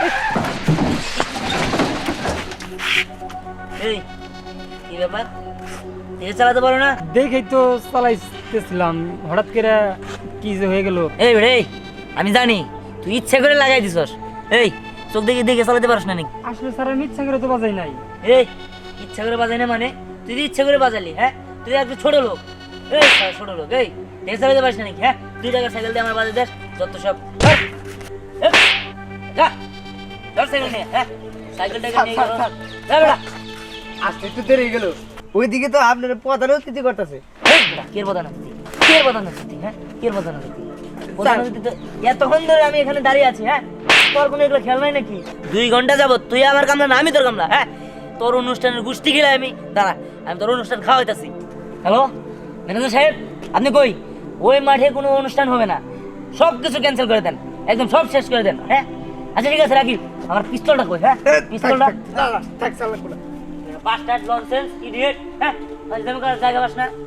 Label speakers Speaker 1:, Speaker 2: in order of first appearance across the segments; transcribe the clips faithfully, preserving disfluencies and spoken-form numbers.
Speaker 1: এই কি ব্যাপার, তেজ চালাতে পারো না?
Speaker 2: দেখেই তো চালাইতেছিলাম, হঠাৎ করে কি যে হয়ে গেল।
Speaker 1: এই রে, আমি জানি তুই ইচ্ছা করে লাগাই দিছস। এই চোখ দেখে দেখে চালাতে পারছ না নাকি?
Speaker 2: আসলে স্যার আমি ইচ্ছা করে তো বাজাই নাই।
Speaker 1: এই ইচ্ছা করে বাজাই না মানে? তুই তো ইচ্ছা করে বাজালি। হ্যাঁ, তুই একটু ছোট লোক। এই শালা ছোট লোক, এই তেজ চালাতে পারিস না নাকি? হ্যাঁ, দুই টাকার সাইকেল দিয়ে আমার বাজে দেশ যত সব। ধর, এই, যা, ধর সাইকেল নিয়ে। হ্যাঁ, সাইকেলটাকে নিয়ে গেল। যা বেটা।
Speaker 3: আসতে একটু দেরি হয়ে গেল, ওইদিকে তো আপনার প্রধান অতিথি করতেছে।
Speaker 1: এই বেটা, কে প্রধান অতিথি? কে প্রধান অতিথি? হ্যাঁ, কে প্রধান অতিথি? প্রধান অতিথি তো এতক্ষণ ধরে আমি এখানে দাঁড়িয়ে আছি। হ্যাঁ, তোর কোনো এগুলো খেয়াল নাই নাকি? দুই ঘন্টা যাবত তুই আমার কামলা না আমি তোর কামলা। হ্যাঁ, তোর অনুষ্ঠানের গোষ্ঠী গেলে আমি দাঁড়া, আমি তোর অনুষ্ঠান খাওয়াইতাছি। হ্যালো ম্যানেজার সাহেব, আপনি কই? ওই মাঠে কোনো অনুষ্ঠান হবে না, সব কিছু ক্যান্সেল করে দেন, একদম সব শেষ করে দেন। হ্যাঁ, আচ্ছা ঠিক আছে, রাখি। আমার পিস্তলটা কই? হ্যাঁ, পিস্তলটা।
Speaker 3: থাক চালাক না।
Speaker 1: Bastard nonsense idiot. হ্যাঁ, ফাজলামি করার জায়গা পাস না।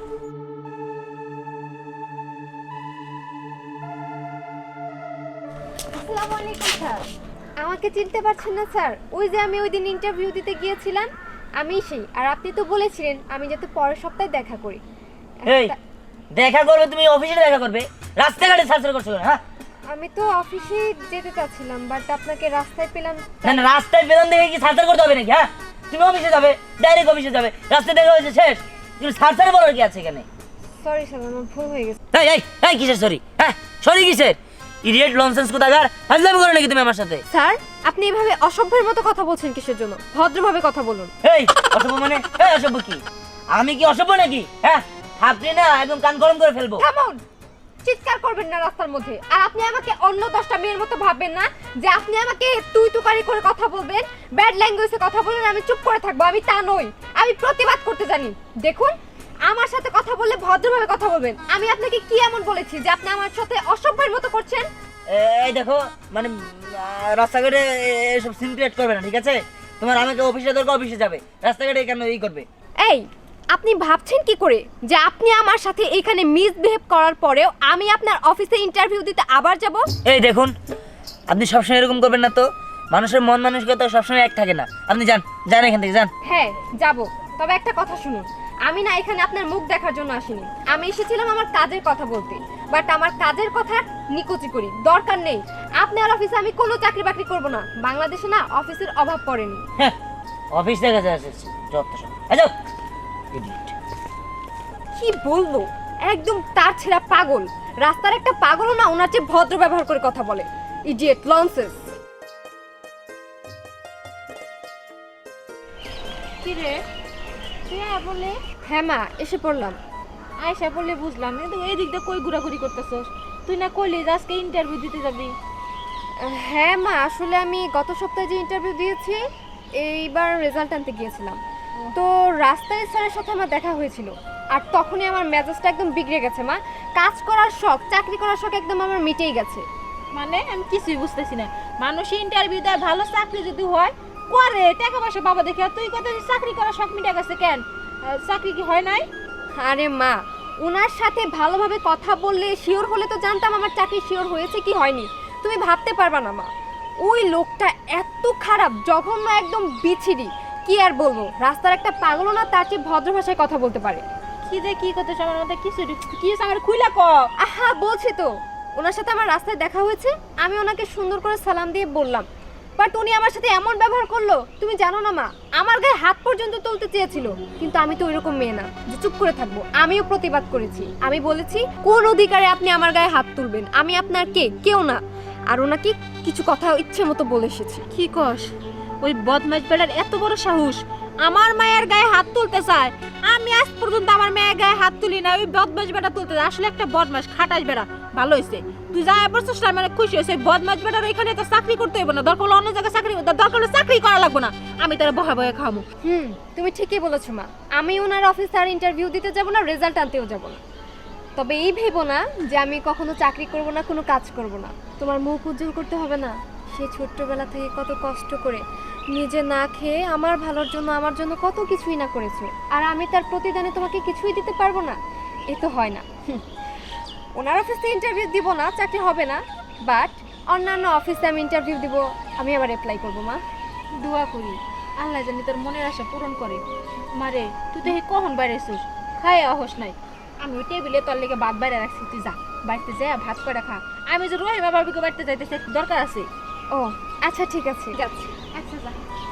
Speaker 4: আসসালামু আলাইকুম স্যার। আমাকে চিনতে পারছেন না স্যার? ওই যে আমি ওই দিন ইন্টারভিউ দিতে গিয়েছিলাম, আমি সেই। আর আপনি তো বলেছিলেন আমি যাতে পরের সপ্তাহে দেখা করি।
Speaker 1: এই দেখা করবে তুমি, অফিসে দেখা করবে, রাস্তাঘাটে সার্চ করছো কেন? হ্যাঁ,
Speaker 4: আমি তো অফিসে যেতে চাচ্ছিলাম, বাট আপনাকে রাস্তায় পেলাম।
Speaker 1: না না, রাস্তায় বেতন দেখে কি সার্চ করতে হবে নাকি? হ্যাঁ, তুমি অফিসে যাবে, ডাইরেক্ট অফিসে যাবে, রাস্তায় দেখা হয়েছে শেষ। তুমি সার্চারে বলার কি আছে এখানে?
Speaker 4: সরি স্যার, আমার ভুল হয়ে গেছে।
Speaker 1: এই এই এই কিসের সরি? হ্যাঁ, সরি কিসের? ইডিয়েট ননসেন্স কোথাকার, ফাজলামি করো নাকি তুমি আমার সাথে?
Speaker 4: স্যার, আপনি এভাবে অসভ্যের মতো কথা বলছেন কিসের জন্য? ভদ্রভাবে কথা বলুন।
Speaker 1: এই অসভ্য মানে? এই অসভ্য কি? আমি কি অসভ্য নাকি? হ্যাঁ, আপনি না একদম কান গরম করে ফেলবো।
Speaker 4: থামুন, চিৎকার করবেন না রাস্তার মধ্যে। আর আপনি আমাকে অন্য দশটা মেয়ের মতো ভাববেন না যে আপনি আমাকে তুই তুকারি করে কথা বলবেন, ব্যাড ল্যাঙ্গুয়েজে কথা বলবেন, আমি চুপ করে থাকবো। আমি তা নই, আমি প্রতিবাদ করতে জানি। দেখুন, আমার সাথে কথা বললে ভদ্রভাবে কথা বলবেন। আমি আপনাকে কি এমন বলেছি যে আপনি আমার সাথে অসভ্যের মতো করছেন?
Speaker 1: এই দেখো, মানে আহ, রাস্তাঘাটে এসব সিন ক্রিয়েট করবে না, ঠিক আছে? তোমার আমাকে অফিসে দরকার, অফিসে যাবে, রাস্তাঘাটে কেন এই করবে?
Speaker 4: এই, আপনি ভাবছেন কি করে যে আপনি আমার সাথে এখানে মিসবিহেভ করার পরেও আমি আপনার অফিসে ইন্টারভিউ দিতে আবার যাব?
Speaker 1: এই দেখুন, আপনি সবসময় এরকম করবেন না তো। মানুষের মন মানসিকতা সবসময় এক থাকে না। আপনি যান, যান এখান থেকে, যান।
Speaker 4: হ্যাঁ, যাব। তবে একটা কথা শুনুন, আমি না এখানে আপনার মুখ দেখার জন্য আসিনি। আমি এসেছিলাম আমার কাজের কথা বলতে। বাট আমার কাজের কথা নিকুচি করি, দরকার নেই। আপনার অফিসে আমি কোনো চাকরি বাকরি করব না। বাংলাদেশে না অফিসের অভাব পড়েনি।
Speaker 1: হ্যাঁ, অফিস থেকে যাচ্ছে যত সব। যাও।
Speaker 4: কি বলবো, একদম তার ছেঁড়া পাগল। রাস্তার একটা পাগলও না ওনার চেয়ে ভদ্র ব্যবহার করে কথা বলে। Idiot, nonsense.
Speaker 5: কি রে, তুই আয় বলে?
Speaker 4: হ্যাঁ মা, এসে পড়লাম।
Speaker 5: আয়সা বলে বুঝলাম, কিন্তু এই দিক দিয়ে কই ঘোরাঘুরি করতেছস? তুই না কইলি যে আজকে ইন্টারভিউ দিতে যাবি?
Speaker 4: হ্যাঁ মা, আসলে আমি গত সপ্তাহে যে ইন্টারভিউ দিয়েছি, এইবার রেজাল্ট আনতে গিয়েছিলাম। তো রাস্তায় স্যারের সাথে আমার দেখা হয়েছিল। আর তখনই আমার মেজাজটা একদম বিগড়ে গেছে মা। কাজ করার শখ, চাকরি করার শখ একদম আমার মিটেই গেছে।
Speaker 5: মানে আমি কিছুই বুঝতেছি না। মানুষ ইন্টারভিউ দেয়, ভালো চাকরি যদি হয় করে, টাকা পয়সা বাবা দেখে। আর তুই কত চাকরি করার শখ মিটে গেছে কেন? আহ, চাকরি কি হয় নাই?
Speaker 4: আরে মা, ওনার সাথে ভালোভাবে কথা বললে শিওর হলে তো জানতাম আমার চাকরি শিওর হয়েছে কি হয়নি। তুমি ভাবতে পারবা না মা, ওই লোকটা এত খারাপ, জঘন্য, একদম বিচ্ছিরি। কি আর বলবো, রাস্তার একটা পাগলও না তার চেয়ে ভদ্র ভাষায় কথা বলতে পারে।
Speaker 5: কি যে কি করতেছ আমার মধ্যে কিছু কি আমার খুইলা ক।
Speaker 4: আহা, বলছি তো, ওনার সাথে আমার রাস্তায় দেখা হয়েছে। আমি ওনাকে সুন্দর করে সালাম দিয়ে বললাম, বাট উনি আমার সাথে এমন ব্যবহার করলো, তুমি জানো না মা, আমার গায়ে হাত পর্যন্ত তুলতে চেয়েছিল। কিন্তু আমি তো ওইরকম মেয়ে না যে চুপ করে থাকবো। আমিও প্রতিবাদ করেছি। আমি বলেছি, কোন অধিকারে আপনি আমার গায়ে হাত তুলবেন? আমি আপনার কে? কেউ না। আর ওনাকে কিছু কথা ইচ্ছে মতো বলে এসেছি।
Speaker 5: কি কস? ওই বদমাইশ বেড়ার এত বড় সাহস আমার মায়ের গায়ে হাত তুলতে চায়? আমি আজ পর্যন্ত আমার মায়ের গায়ে হাত তুলি না, ওই বদমাইশ বেড়া তুলতে চায়। আসলে একটা বদমাইশ, খাটাস বেড়া। ভালো হয়েছে তুই যা বলছিস, মানে খুশি হয়েছে। বদমাইশ বেড়ার এখানে তো চাকরি করতে হইব না, দরকার হলে অন্য জায়গায় চাকরি, দরকার হলে চাকরি করা লাগবে না। আমি তারা বহা বহে খাবো।
Speaker 4: হুম, তুমি ঠিকই বলেছো মা। আমি ওনার অফিসে আর ইন্টারভিউ দিতে যাব না, রেজাল্ট আনতেও যাব না। তবে এই ভেবো না যে আমি কখনো চাকরি করব না, কোনো কাজ করব না। তোমার মুখ উজ্জ্বল করতে হবে না। সে ছোট্টবেলা থেকে কত কষ্ট করে নিজে না খেয়ে আমার ভালোর জন্য, আমার জন্য কত কিছুই না করেছো। আর আমি তার প্রতিদানে তোমাকে কিছুই দিতে পারবো না? এ তো হয় না। হুম, ওনার অফিসে ইন্টারভিউ দিব না, চাকরি হবে না। বাট অন্যান্য অফিসে আমি ইন্টারভিউ দিব, আমি আবার অ্যাপ্লাই করবো মা।
Speaker 5: দোয়া করি আল্লাহ জানি তোর মনের আশা পূরণ করে। মারে তুই তো হে কখন বাইরেছিস, খায় অহস নাই। আমি ওই টেবিলে তোর লেগে ভাত বাইরে রাখছি, তুই যা বাড়িতে যা ভাত করে খা। আমি যে রহিমা বাবিকে বাড়িতে যাইতেছে, একটু দরকার আছে।
Speaker 4: ও আচ্ছা ঠিক আছে, যাচ্ছি।
Speaker 5: আচ্ছা যা।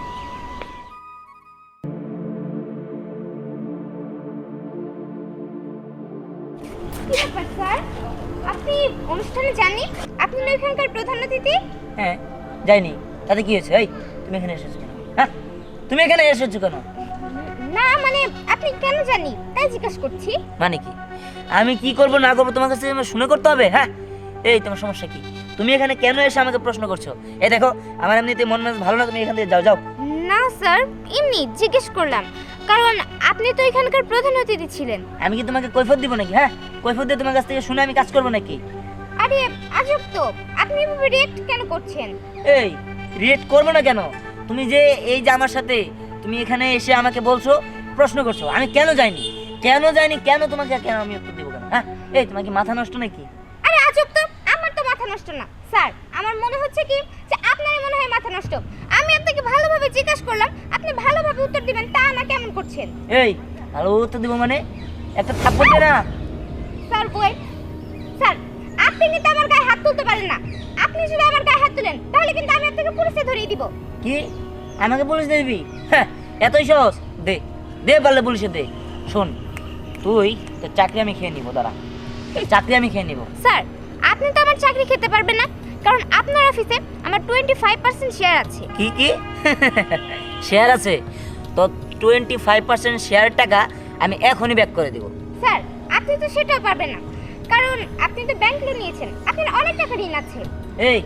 Speaker 4: কি ব্যাপার স্যার, আপনি অনুষ্ঠানে যাননি? আপনি না এখানকার প্রধান অতিথি?
Speaker 1: হ্যাঁ যাইনি, তাতে কি হয়েছে? এই তুমি এখানে এসেছো কেন? হ্যাঁ তুমি এখানে এসেছো কেন?
Speaker 4: না মানে আপনি কেন জানি তাই জিজ্ঞাসা করছি।
Speaker 1: মানে কি আমি কি করব না করবো তোমার কাছে আমার শুনে করতে হবে? হ্যাঁ এই তোমার সমস্যা কি? তুমি এখানে কেন এসে আমাকে প্রশ্ন করছো? এই দেখো আমার এমনিতে মন মেজাজ ভালো না, তুমি এখান থেকে যাও যাও।
Speaker 4: না স্যার, এমনি জিজ্ঞেস করলাম, কারণ আপনি তো এখানকার প্রধান অতিথি ছিলেন।
Speaker 1: আমি কি তোমাকে কৈফিয়ত দিব নাকি? হ্যাঁ কৈফিয়ত দিয়ে তোমার কাছ থেকে শুনে আমি কাজ করবো নাকি?
Speaker 4: আরে আজব তো, আপনি এভাবে রিয়েক্ট কেন করছেন?
Speaker 1: এই রিয়েক্ট করবো না কেন? তুমি যে এই যে আমার সাথে তুমি এখানে এসে আমাকে বলছো, প্রশ্ন করছো, আমি কেন যাইনি কেন যাইনি কেন তোমাকে কেন আমি উত্তর দেবো কেন? হ্যাঁ এই তোমার কি মাথা নষ্ট নাকি?
Speaker 4: আরে আজব তো, আমার তো মাথা নষ্ট না স্যার, আমার মনে হচ্ছে কি যে আপনারই মনে হয় মাথা নষ্ট। আমি আপনাকে ভালোভাবে জিজ্ঞাসা করলাম, আপনি ভালোভাবে উত্তর দিবেন, তা না কেমন করছেন?
Speaker 1: এই ভালো উত্তর দিব মানে একটা থাপ্পড় দে না।
Speaker 4: স্যার বই স্যার, আপনি কিন্তু আমার গায়ে হাত তুলতে পারেন না। আপনি যদি আমার গায়ে হাত তুলেন তাহলে কিন্তু আমি আপনাকে পুলিশে ধরিয়ে দিব।
Speaker 1: কি আমাকে পুলিশ দিবি? হ্যাঁ এতই সহজ? দে দে পারলে পুলিশে দে। শোন তুই তোর চাকরি আমি খেয়ে নিবো, দাঁড়া চাকরি আমি খেয়ে নিবো।
Speaker 4: স্যার আপনি তো আমার চাকরি খেতে পারবেন না, কারণ আপনার অফিসে আমার টোয়েন্টি ফাইভ পার্সেন্ট শেয়ার আছে।
Speaker 1: কি কি শেয়ার আছে? তো টোয়েন্টি ফাইভ পার্সেন্ট শেয়ার টাকা আমি এখনই ব্যাক করে দিব।
Speaker 4: স্যার আপনি তো সেটাও পারবেন না, কারণ আপনি তো ব্যাংক লোন নিয়েছেন, আপনার অনেক টাকা ঋণ আছে।
Speaker 1: এই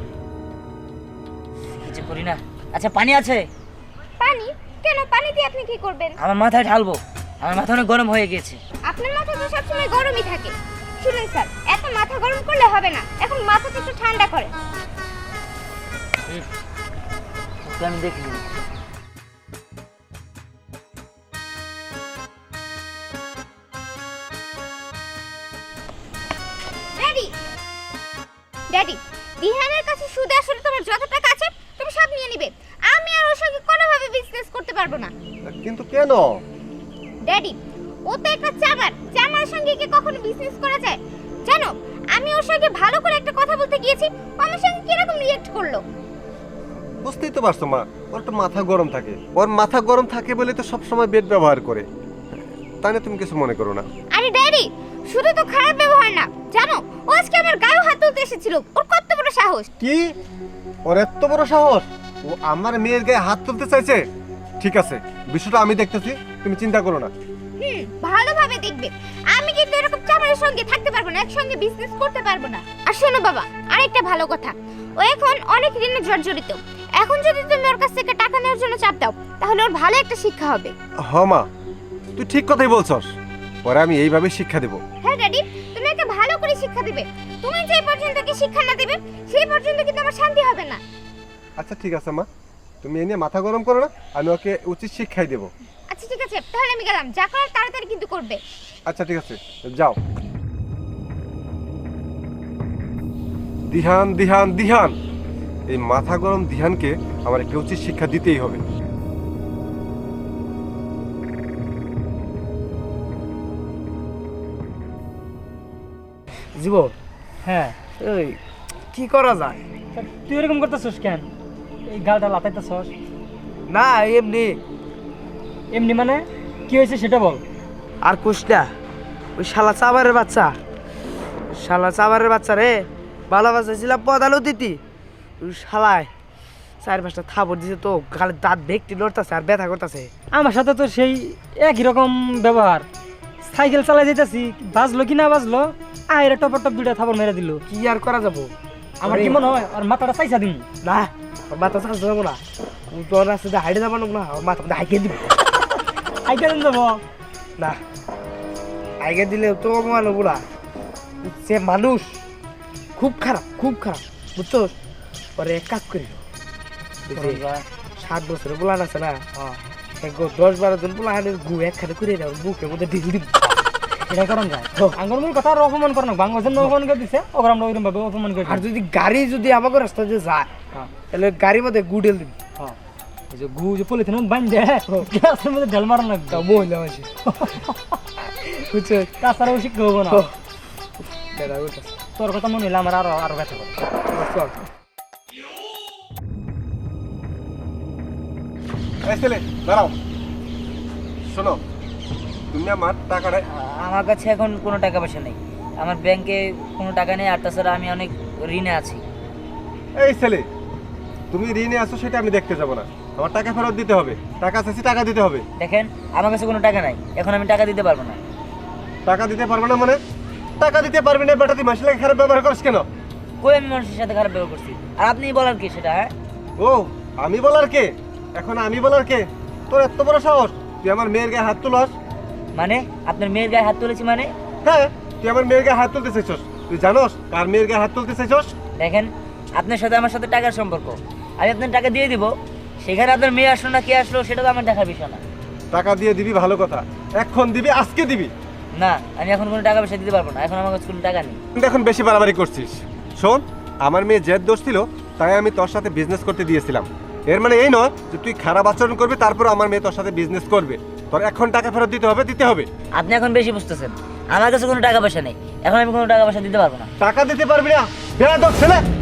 Speaker 1: কিছু করি না। আচ্ছা পানি আছে?
Speaker 4: পানি? কেন, পানি দিয়ে আপনি কি করবেন?
Speaker 1: আমার মাথায় ঢালবো, আমার মাথা অনেক গরম হয়ে গেছে।
Speaker 4: আপনার মাথা তো সবসময় গরমই থাকে। শুনুন স্যার, এত মাথা গরম করলে হবে না, এখন মাথাটা একটু ঠান্ডা করে।
Speaker 1: ওকে আমি দেখি।
Speaker 4: ড্যাডি ড্যাডি দিহানের কাছে সুদে আসলে তোমার যত টাকা আছে তুমি সব নিয়ে নিবে। আমি আর ওর সঙ্গে কোনোভাবে বিজনেস করতে পারবো না।
Speaker 6: কিন্তু কেন?
Speaker 4: ড্যাডি ও তো একটা চামার, চামার সঙ্গে কি কখনো বিজনেস করা যায়? জানো আমি ওর সঙ্গে ভালো করে একটা কথা বলতে গিয়েছি, ও আমার সঙ্গে কিরকম রিয়েক্ট করলো।
Speaker 6: বুঝতেই তো পারছো মা, ওর তো মাথা গরম থাকে। ওর মাথা গরম থাকে বলে তো সবসময় বেড ব্যবহার করে, তাই না? তুমি কিছু মনে করো না।
Speaker 4: আরে ড্যাডি শুধু তো খারাপ ব্যবহার না, জানো ও আজকে আমার গায়ে হাত তুলতে এসেছিল। ওর কত বড় সাহস!
Speaker 6: কি ওর এত বড় সাহস? ও আমার মেয়ের গায়ে হাত তুলতে চাইছে? ঠিক আছে, বিষয়টা আমি দেখতেছি, তুমি চিন্তা করো না।
Speaker 4: হুম ভালোভাবে দেখবে, আমি কিন্তু এরকম চামারের সঙ্গে থাকতে পারবো না, একসঙ্গে বিজনেস করতে পারবো না। আর শোনো বাবা, আরেকটা ভালো কথা, ও এখন অনেক ঋণে জর্জরিত। এখন যদি তুমি ওর কাছ থেকে টাকা নেওয়ার জন্য চাপ দাও তাহলে ওর ভালো একটা শিক্ষা হবে।
Speaker 6: হ মা, তুই ঠিক কথাই বলছস, পরে আমি এইভাবে শিক্ষা দেব।
Speaker 4: হ্যাঁ ড্যাডি, তুমি একটা ভালো করে শিক্ষা দিবে। তুমি যে পর্যন্ত কি শিক্ষা না দিবে সেই পর্যন্ত কিন্তু আমার শান্তি হবে না।
Speaker 6: আচ্ছা ঠিক আছে মা, তুমি এই নিয়ে মাথা গরম করো না, আমি ওকে উচিত শিক্ষাই দেব।
Speaker 4: আচ্ছা ঠিক আছে, তাহলে আমি গেলাম, যা করার তাড়াতাড়ি কিন্তু করবে।
Speaker 6: আচ্ছা ঠিক আছে, যাও। দিহান দিহান দিহান, এই মাথা গরম দিহানকে আমার একটা উচিত শিক্ষা দিতেই হবে।
Speaker 3: জীবন
Speaker 2: হ্যাঁ
Speaker 3: এই কি করা যায়?
Speaker 2: তা তুই এরকম করতেছস কেন? এই গালটা লাতাইতেছস?
Speaker 3: না এমনি।
Speaker 2: এমনি মানে কি হয়েছে সেটা বল।
Speaker 3: আর কুষ্টা ওই শালা চাবারের বাচ্চা, শালা চাবারের বাচ্চা রে, ভালো বাচ্চা ছিলাম প্রধান অতিথি, ওই শালায় চার পাঁচটা থাপড় দিছে তো, গালের দাঁত ভেকটি লড়তেছে আর ব্যথা করতেছে।
Speaker 2: আমার সাথে তো সেই একই রকম ব্যবহার। সাইকেল চালাই যেতেছি, বাজলো কি না বাজলো, আয়ের টপর টপ দুইটা থাপড় মেরে দিল।
Speaker 3: কি আর করা যাবো?
Speaker 2: আমার কি মনে হয় আর মাথাটা চাইছা দিন
Speaker 3: না, ওর মাথা চাষ যাবো না, তোর রাস্তাতে হাইটে যাবো না, ওর মাথা হাইকে দিব।
Speaker 2: আইকে দিন যাবো
Speaker 3: না, হাইকে দিলে তো অপমান হবো না। সে মানুষ খুব খারাপ, খুব খারাপ, বুঝছো? পরে এক কাজ করিল, সাত বছরের পোলান আছে না, দশ বারো জন পোলা গু একখানে করে দাও, বুকের মধ্যে ঢিল দিব।
Speaker 2: এটা করন যায় আঙ্গুর মূল কথা আর অপমান করন বাংলা জন্য অপমান করে দিছে ওরা আমরা ওইরকম ভাবে অপমান করে
Speaker 3: আর যদি গাড়ি যদি আমাকে রাস্তা দিয়ে যায়
Speaker 2: হ্যাঁ।
Speaker 3: তাহলে গাড়ির মধ্যে গুডেল দিবি
Speaker 2: হ্যাঁ এই যে গু যে পলিথিন বান দে গ্লাসের মধ্যে ঢেল মারান লাগবে
Speaker 3: তা মহিলা মাসি বুঝছো
Speaker 2: তাছাড়া ওই শিক্ষা হবো না
Speaker 3: বেড়া ওটা
Speaker 2: তোর কথা মনে হইলে আমার আরো আরো ব্যথা করে
Speaker 3: চল
Speaker 6: এই ছেলে দাঁড়াও, শোনো, তুমি আমার টাকাটা
Speaker 1: আমার কাছে এখন কোনো টাকা পয়সা নেই, আমার ব্যাংকে কোনো টাকা নেই, আর তাছাড়া আমি অনেক ঋণে আছি।
Speaker 6: এই ছেলে, তুমি ঋণে আছো সেটা আমি দেখতে যাব না, আমার টাকা ফেরত দিতে হবে, টাকা চাইছি টাকা দিতে হবে।
Speaker 1: দেখেন আমার কাছে কোনো টাকা নাই, এখন আমি টাকা দিতে পারবো না।
Speaker 6: টাকা দিতে পারবে না মানে? টাকা দিতে পারবি না বেটা, তুই মাসের লাগে খারাপ ব্যবহার করিস কেন?
Speaker 1: কই আমি মানুষের সাথে খারাপ ব্যবহার করছি? আর আপনি বলার কি সেটা? হ্যাঁ
Speaker 6: ও আমি বলার কে? এখন আমি বলার কে? তোর এত বড় সাহস, তুই আমার মেয়ের গায়ে হাত তুলস?
Speaker 1: মানে আপনার মেয়ের গায়ে হাত তুলেছি মানে?
Speaker 6: হ্যাঁ, তুই আমার মেয়ের গায়ে হাত তুলতে চাইছস। তুই জানোস কার মেয়ের গায়ে হাত তুলতে চাইছস?
Speaker 1: দেখেন আপনার সাথে আমার সাথে টাকার সম্পর্ক, আমি আপনার টাকা দিয়ে দিব, সেখানে আপনার মেয়ে আসলো না কে আসলো সেটা তো আমার দেখার বিষয় না।
Speaker 6: টাকা দিয়ে দিবি ভালো কথা, এখন দিবি, আজকে দিবি।
Speaker 1: না আমি এখন কোনো টাকা পয়সা দিতে পারবো না, এখন আমার কাছে কোনো টাকা নেই।
Speaker 6: কিন্তু এখন বেশি বাড়াবাড়ি করছিস। শোন, আমার মেয়ে জেদ দোষ ছিল তাই আমি তোর সাথে বিজনেস করতে দিয়েছিলাম, এর মানে এই নয় যে তুই খারাপ আচরণ করবি তারপর আমার মেয়ে তোর সাথে বিজনেস করবে। তোর এখন টাকা ফেরত দিতে হবে, দিতে হবে।
Speaker 1: আপনি এখন বেশি বুঝতেছেন, আমার কাছে কোনো টাকা পয়সা নেই, এখন আমি কোনো টাকা পয়সা দিতে পারবো না।
Speaker 6: টাকা দিতে পারবি না বেয়াদব ছেলে।